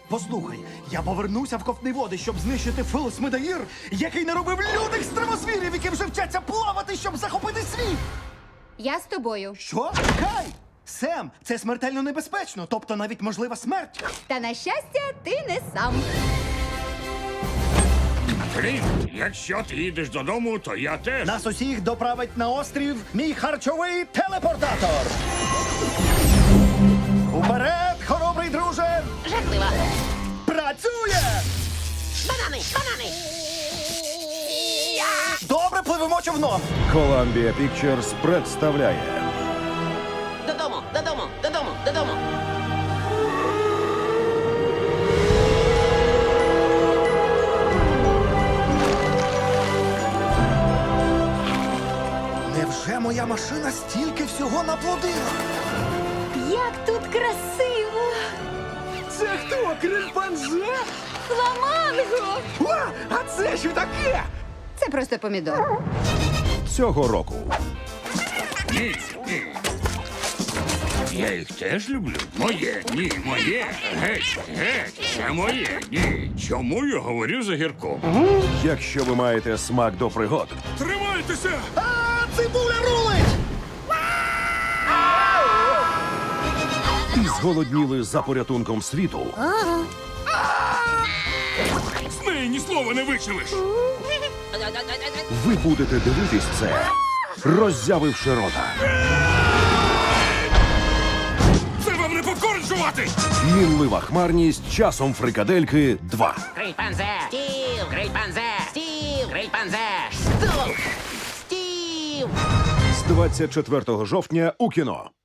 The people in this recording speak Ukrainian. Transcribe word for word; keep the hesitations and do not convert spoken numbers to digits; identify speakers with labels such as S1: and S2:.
S1: Послухай, я повернуся в ковтні води, щоб знищити Филос Медаїр, який наробив лютих стримосвірів, які вже вчаться плавати, щоб захопити світ!
S2: Я з тобою.
S1: Що? Чекай! Сем, це смертельно небезпечно, тобто навіть можлива смерть.
S2: Та на щастя, ти не сам.
S3: Флінт, якщо ти їдеш додому, то я теж.
S1: Нас усіх доправить на острів мій харчовий телепортатор. Уперед, хоробрий друже!
S4: Жахливо.
S1: Працює!
S4: Банани, банани.
S1: Добре, пливемо човном.
S5: Columbia Pictures представляє
S4: Додому, додому, додому, додому.
S1: Невже моя машина стільки всього наплодила?
S2: Як тут красиво!
S1: Це хто, крильпанзе?
S2: Фламанго!
S1: О, а це що таке?
S2: Це просто помідор.
S5: цього року.
S3: Ні, ні. Я їх теж люблю. Моє, ні, моє. Геть, геть, це моє, ні. Чому я говорю за гірком?
S5: Якщо ви маєте смак до пригод,
S3: Тримайтеся!
S1: А, цибуля рулить!
S5: і зголодніли за порятунком світу,
S3: З неї ні слова не вичилиш!
S5: ви будете дивитись це, роззявивши рота.
S3: Це вам не попкорн жувати!
S5: Мінлива хмарність часом фрикадельки два.
S4: Грильпанзе. Стів, грильпанзе. Стів, грильпанзе. Стук. Стів.
S5: З двадцять четвертого жовтня у кіно.